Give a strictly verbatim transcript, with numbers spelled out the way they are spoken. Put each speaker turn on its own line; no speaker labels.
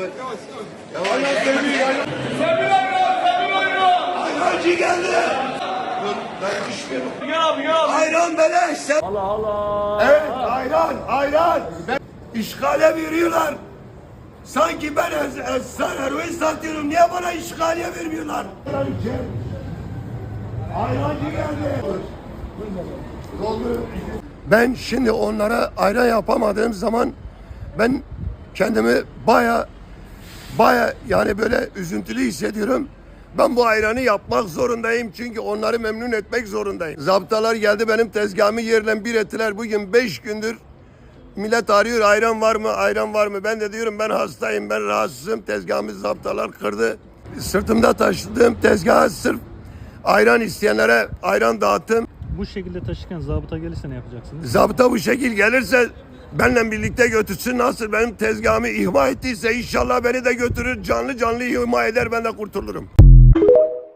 yavaş. Yavaş. Sebil ayran, Sebil ayran. Ayrancı geldi. Dur, ben düşmüyorum.
Yap yap.
Ayran beleş. Sen...
Allah Allah.
Evet, ayran, ayran. Ben... İşgale veriyorlar. Sanki ben ez, ez, sen eroin satıyorum. Niye bana işgaliye vermiyorlar? Ayrancı geldi. Ben şimdi onlara ayran yapamadığım zaman ben kendimi baya baya yani böyle üzüntülü hissediyorum. Ben bu ayranı yapmak zorundayım çünkü onları memnun etmek zorundayım. Zabıtalar geldi benim tezgahımı yerle bir ettiler. Bugün beş gündür millet arıyor, ayran var mı, ayran var mı? Ben de diyorum ben hastayım, ben rahatsızım. Tezgahımı zabıtalar kırdı. Sırtımda taşıdığım tezgaha sırf ayran isteyenlere ayran dağıttım.
Bu şekilde taşırken zabıta gelirse ne yapacaksınız?
Zabıta bu şekil gelirse benimle birlikte götürsün. Nasıl benim tezgahımı ihmal ettiyse inşallah beni de götürür. Canlı canlı ihmal eder, ben de kurtulurum.